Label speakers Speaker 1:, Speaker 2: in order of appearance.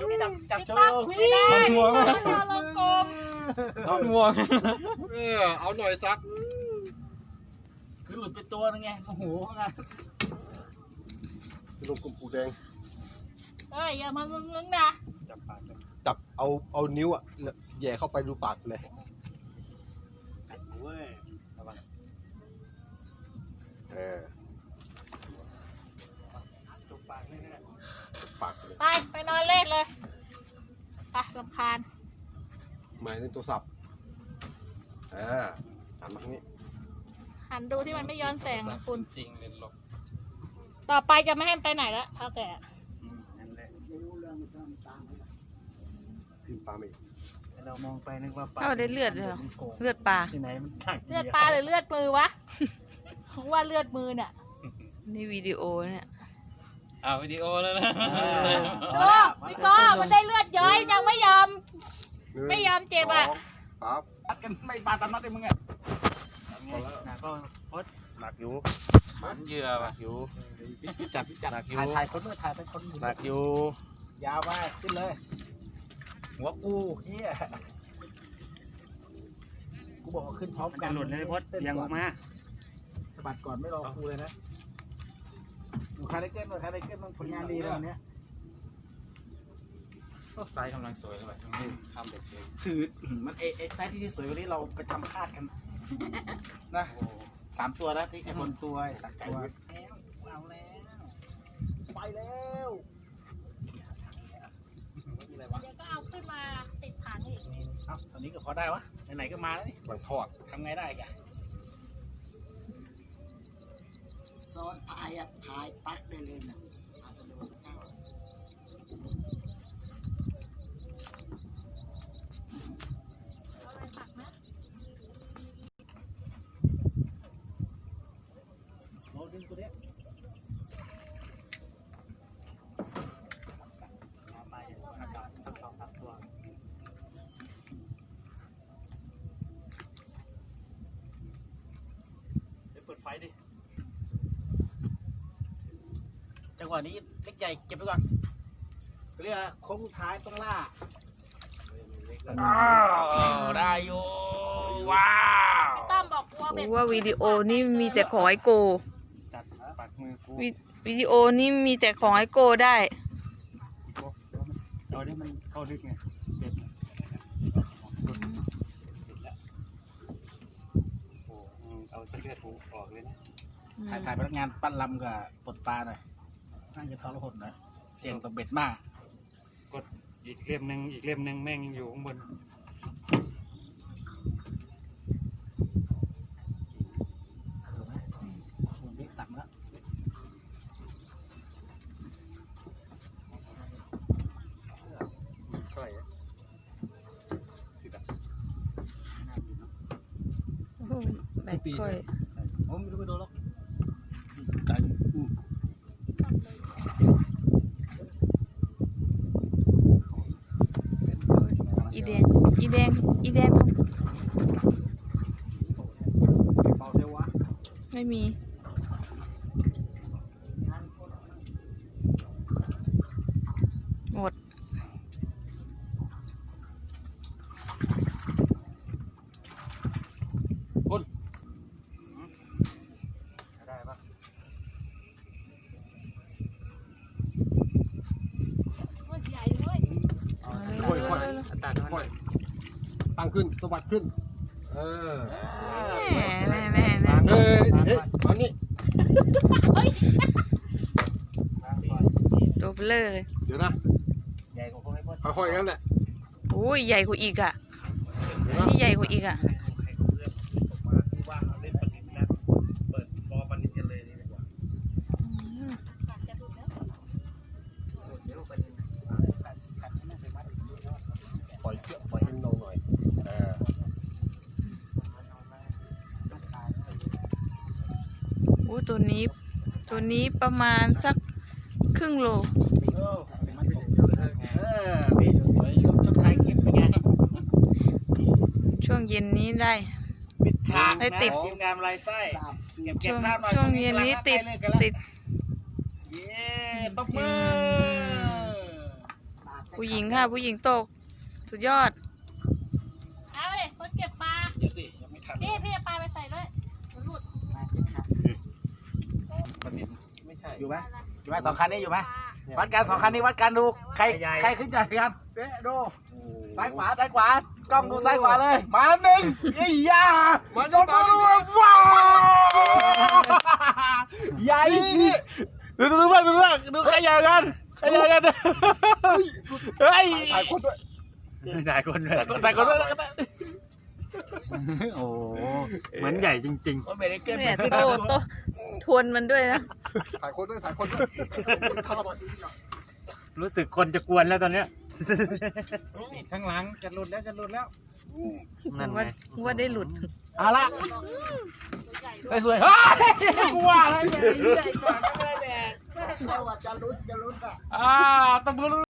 Speaker 1: จับโชว์ไม่ได้ทอดลงกลมทอดงวง
Speaker 2: เอาหน่อยสัก
Speaker 1: คือหลุดไปตัวนึงไงโอ้โหไง
Speaker 2: ลงกลุ่มปูแดง
Speaker 3: เอ้ยอย่ามางึงๆนะ
Speaker 2: จับเอานิ้วอ่ะแย่เข้าไปดูปากเลย
Speaker 3: ไปนอนเล่นเลยไปรำคาญ
Speaker 2: หมายในโทรศัพท์ทำแบบนี้
Speaker 3: หันดูที่มันไม่ย้อนแสงคุณ
Speaker 1: จริงเลยหรอก
Speaker 3: ต่อไปจะไม่ให้ไปไหนแล้วเท่าแก่
Speaker 2: ขึ้นปลาไม่
Speaker 1: เรามองไปนึกว่าปลา
Speaker 4: ได้เลือดเลยเลือดปลา
Speaker 1: ที่ไหนมัน
Speaker 3: เลือดปลาหรือเลือดมือวะว่าเลือดมือเนี่ย
Speaker 4: นี่วิดีโอเนี่ย
Speaker 1: วิดีโอแล้วนะ
Speaker 3: พี่ก็มันได้เลือดย้อยยังไม่ยอมเจ็บอ่ะ
Speaker 2: ครับ
Speaker 1: กันไม่ปลาตามนัดเลยมึงอ่ะหนักก็พดหนักอยู่มันเยื่อหนักอยู่จับหนักอยู่ถ่ายคนเมื่อถ่ายเป็นคนหนักอยู่ยาวไปขึ้นเลยหัวกูเฮียกูบอกว่าขึ้นพร้อมกันหลุดเลยพดยังออกมาสะบัดก่อนไม่รอกูเลยนะดูคาร์เดเกนด้วยคาร์เดเกนมันผลงานดีเลยวันนี้ก็ไซส์กำลังสวยเลยทำเด็กเลยสื่อมันไอไซส์ที่สวยกว่านี้เราไปทำคาดกันนะ3 ตัวแล้วที่คนตัวสักตัวเอาแล้วไปแล้ว
Speaker 3: เดี๋ยวก็เอาขึ้นมาติดถังอีก
Speaker 1: ตอนนี้ก็พอได้วะไหนๆก็มาแล้วนี่
Speaker 2: มันทอด
Speaker 1: ทำไงได้กัน
Speaker 5: ซ้อนพายปักได้เลยนะ
Speaker 1: เปิดไฟดิจังหวะนี้เล็กใหญ่เก็บไปก่อนเรียกโค้งสุดท้ายต้องล่าได้อยู่ว้าว
Speaker 3: ต้อมบอก
Speaker 4: ว่าวิดีโอนี่มีแต่ของไอโกวิดีโอนี่มีแต่ของไอโกได้
Speaker 1: ตอนนี้มันเข้าลึกไงเอาเลือดหูออกเลยนะถ่ายพนักงานปั้นลำกับปลดปลาหน่อยน่าจะทรหดหน่อยเสี่ยงต่อเบ็ดมากกดอีกเล่มหนึ่งแม่งยังอยู่ข้างบนเล็กสั่งแล้วสวย
Speaker 4: แบตค่อย
Speaker 1: ผมไม่รู้ไปโดนหรอก
Speaker 4: อีแดง
Speaker 1: เบาเทวะ
Speaker 4: ไม่มีหมด
Speaker 1: ได้ปะ
Speaker 3: ใหญ่เลย
Speaker 2: ตั้งขึ้นสวัสดขึ้น
Speaker 4: แน่
Speaker 2: อันนี้
Speaker 4: ตัวเบลอเลย
Speaker 2: เดี๋ยวนะ
Speaker 1: ใหญ่กว่าพวกไอ้พ
Speaker 2: อค่อยๆงั้นแหละ
Speaker 4: โอ้ยใหญ่กว่าอีกอ่ะนี่ใหญ่กว่าอีกอ่ะ
Speaker 2: ปล่อยให้เราหน่อย
Speaker 4: โอ้ตัวนี้ประมาณสักครึ่งโลช่วงเย็นนี้ได้
Speaker 1: ได้ติดทีมงานลายไส้
Speaker 4: ช่วงเย็นนี้ติด
Speaker 1: เย้ตบมือ
Speaker 4: ผู้หญิงค่ะ ผู้หญิงตก สุดยอด
Speaker 3: เอาเลยคนเก็บปลา
Speaker 1: เดี๋ยวสิยังไม่ทัน
Speaker 3: พี่เอาปลาไปใส่ด้วยเดี๋ยวหลุด
Speaker 5: มาจะขับ
Speaker 1: มันนิดไม่ใช่
Speaker 6: อยู่ไหมอยู่ไหมสองคันนี้อยู่ไหม
Speaker 3: ปลา
Speaker 6: วัดกันสองคันนี้วัดกันดูใคร
Speaker 1: ใหญ่
Speaker 6: ใครขึ้นใหญ่กันเด้ดูซ้ายขวากล้องดูซ้ายขวาเลยมาแล้วหนึ่งยี่ยา
Speaker 2: มาโดนตาดิ
Speaker 6: ว้าวใหญ่ดูบ้างดูใครใหญ่กันเฮ้ย
Speaker 2: ถ่ายคนด้วย
Speaker 1: หลายคนเลย
Speaker 6: แต่คนนั้น
Speaker 1: โอ้เหมือนใหญ่จริง
Speaker 6: มันไม่ได้เกิน
Speaker 4: เนี่ยโตทวนมันด้วยนะ
Speaker 2: ถ่ายคนด้วยท่ามา
Speaker 1: ๆ รู้สึกคนจะกวนแล้วตอนเนี้ย
Speaker 6: ข้างหลังจะหลุดแล้ว
Speaker 1: นั่นไง
Speaker 4: ว่าได้หลุด
Speaker 6: เอาละสวยๆเฮ้ยกลัวอะไรเนี่ยใหญ่กว่าก็ไม่ได้แดก
Speaker 5: เขาว่าจะลุ้นอ่ะ
Speaker 6: ตบมือ